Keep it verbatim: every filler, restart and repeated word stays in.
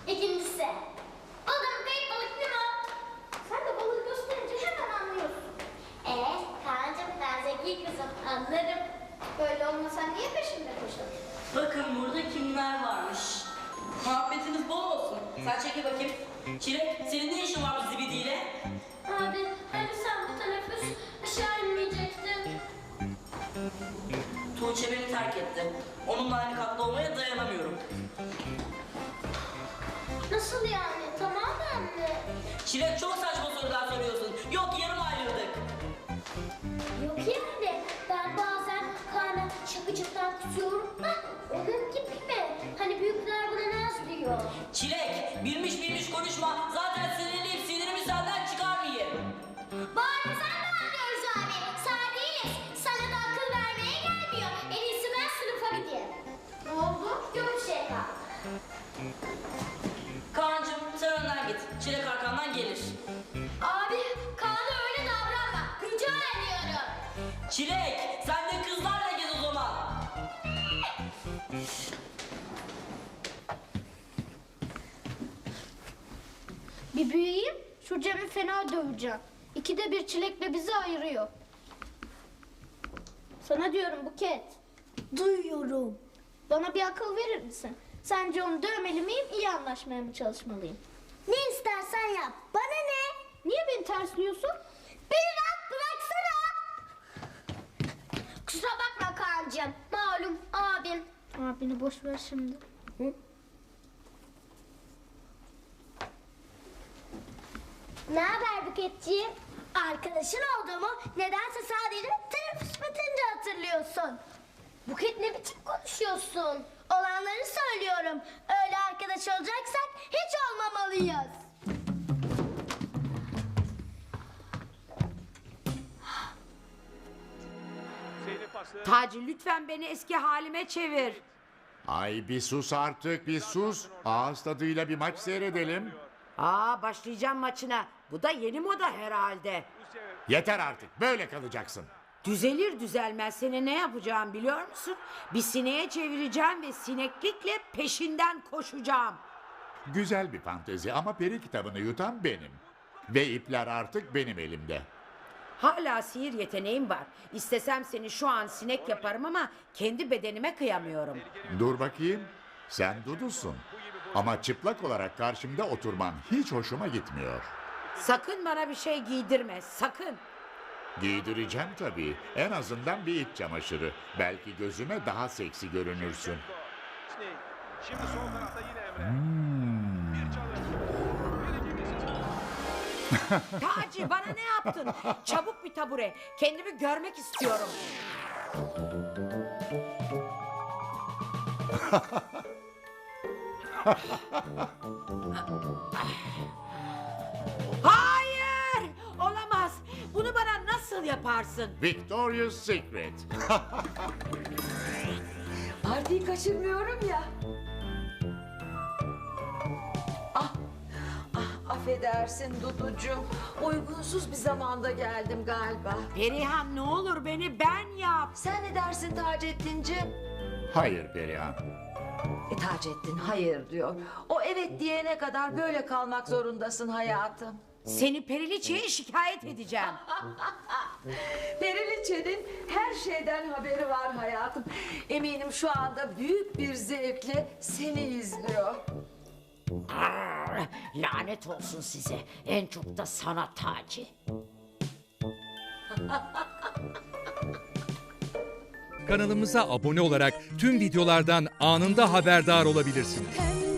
İkincisi, adam kayıp balık değil mi? Sen de balığı gösterince hemen anlıyorsun. Ee, Kaan'cığım ben zeki kızım, anlarım. Böyle olmasan niye peşimde koşalım? Bakın burada kimler varmış. Muhabbetiniz bol olsun. Sen çekil bakayım. Çilek, senin ne işin var bu zibidiyle? Abi, hani sen bu teneffüs aşağı inmeyecektin. Tuğçe beni terk etti. Onunla aynı katta olmaya dayanamıyorum. Nasıl yani? Tamamen mi? Çilek, çok saçma sorular soruyorsun. Yok, yarım ayrıldık. Yok yani. Ben bazen Kaan'a şakacıktan kusuyorum da onun gibi mi? Hani büyükler buna naz diyor. Çilek, bilmiş bilmiş konuşma. Zaten sinirliyim, sinirimi senden çıkarmayayım. Bari sen de anlıyoruz abi. Sağ değiliz. Sana da akıl vermeye gelmiyor. En iyisi ben sınıfa gideyim. Ne oldu? Yok bir şey kaldı. Kaan'cığım sen önden git. Çilek arkandan gelir. Abi Kaan'a öyle davranma. Rica ediyorum. Çilek, sen de kızlarla gez o zaman. Bir büyüyeyim, şu Cem'i fena döveceğim. İkide bir Çilek'le bizi ayırıyor. Sana diyorum Buket. Duyuyorum. Bana bir akıl verir misin? Sence onu dövmeli miyim, iyi anlaşmaya mı çalışmalıyım? Ne istersen yap. Bana ne? Niye beni tersliyorsun? Beni rahat bıraksana. Kusura bakma Kaan'cığım. Malum abim. Abini boş ver şimdi. Hı? Ne haber Buketciğim? Arkadaşın olduğumu nedense sadece teneffüs bitince hatırlıyorsun. Buket ne biçim konuşuyorsun? Olanları söylüyorum. Öyle arkadaş olacaksak hiç olmamalıyız. Taci lütfen beni eski halime çevir. Ay bir sus artık bir sus. Ağız tadıyla bir maç seyredelim. Aa başlayacağım maçına. Bu da yeni moda herhalde. Yeter artık böyle kalacaksın. Düzelir düzelmez seni ne yapacağım biliyor musun? Bir sineğe çevireceğim ve sineklikle peşinden koşacağım. Güzel bir fantezi ama peri kitabını yutan benim. Ve ipler artık benim elimde. Hala sihir yeteneğim var. İstesem seni şu an sinek yaparım ama kendi bedenime kıyamıyorum. Dur bakayım. Sen Dudu'sun. Ama çıplak olarak karşımda oturman hiç hoşuma gitmiyor. Sakın bana bir şey giydirme sakın. Giydireceğim tabii. En azından bir iç çamaşırı. Belki gözüme daha seksi görünürsün. Şimdi sol tarafta yine Emre. Hmm. Bir çalım. Taci bana ne yaptın? Çabuk bir tabure. Kendimi görmek istiyorum. Hayır! Olamaz. Bunu bana nasıl yaparsın? Victoria's Secret. Partiyi kaçırmıyorum ya. Ah, ah affedersin Duducuğum. Uygunsuz bir zamanda geldim galiba. Perihan ne olur beni ben yap. Sen ne dersin Taceddin'cim? Hayır Perihan. E, Taceddin hayır diyor. O evet diyene kadar böyle kalmak zorundasın hayatım. Seni Periliçe'ye şikayet edeceğim. Periliçe'nin her şeyden haberi var hayatım. Eminim şu anda büyük bir zevkle seni izliyor. Arr, lanet olsun size. En çok da sana Taci. Kanalımıza abone olarak tüm videolardan anında haberdar olabilirsiniz.